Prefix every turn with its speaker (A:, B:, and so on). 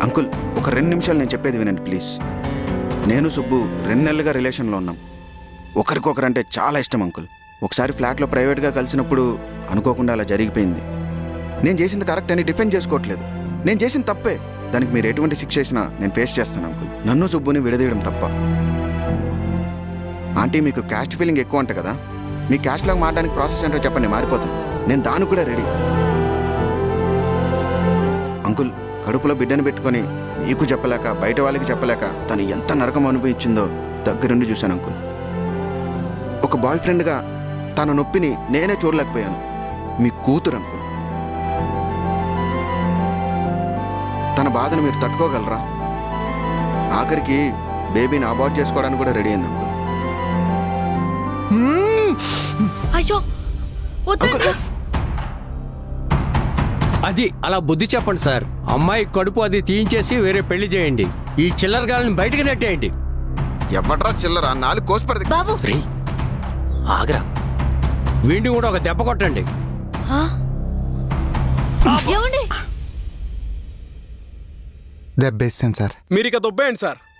A: Uncle ఒక 2 నిమిషాలు నేను చెప్పేది వినండి ప్లీజ్. నేను సుబ్బు 2 నెలలుగా రిలేషన్లో ఉన్నాం. ఒకరికొకరంటే చాలా ఇష్టం అంకుల్. ఒకసారి ఫ్లాట్లో ప్రైవేట్గా కలిసినప్పుడు అనుకోకుండా అలా జరిగిపోయింది. నేను చేసింది కరెక్ట్ అని డిఫెండ్ చేసుకోవట్లేదు. నేను చేసింది తప్పే. దానికి మీరు ఎటువంటి శిక్ష చేసినా నేను ఫేస్ చేస్తాను అంకుల్. నన్ను సుబ్బుని విడదీయడం తప్ప. ఆంటీ మీకు క్యాస్ట్ ఫీలింగ్ ఎక్కువ అంట కదా, మీ క్యాస్ట్లాగా మారడానికి ప్రాసెస్ ఏంటో చెప్పండి, మారిపోతాను. నేను దానికి కూడా రెడీ. అంకుల్ కడుపులో బిడ్డను పెట్టుకొని మీకు చెప్పలేక బయట వాళ్ళకి చెప్పలేక తను ఎంత నరకం అనుభవించిందో దగ్గరుండి చూశాను అంకుల్. ఒక బాయ్ ఫ్రెండ్గా తన నొప్పిని నేనే చూడలేకపోయాను. మీ కూతురు అంకుల్, తన బాధను మీరు తట్టుకోగలరా? ఆఖరికి బేబీని అబార్ట్ చేసుకోవడానికి కూడా రెడీ అయింది అంకుల్.
B: అయ్యో
A: అంకుల్
C: అది అలా బుద్ధి చెప్పండి సార్. అమ్మాయి కడుపు అది తీయించేసి వేరే పెళ్లి చేయండి. ఈ చిల్లరగాళ్ళని బయటకు నెట్టేయండి.
A: ఎవడ్రా చిల్లరా? 4 కోసుపడి
B: బాబు.
C: ఆగరా, వీడిని కూడా ఒక దెబ్బ కొట్టండి.
B: ఏమండి
D: దెబ్బేస్తాను సార్.
E: మీరు ఇక దొబ్బేయండి సార్.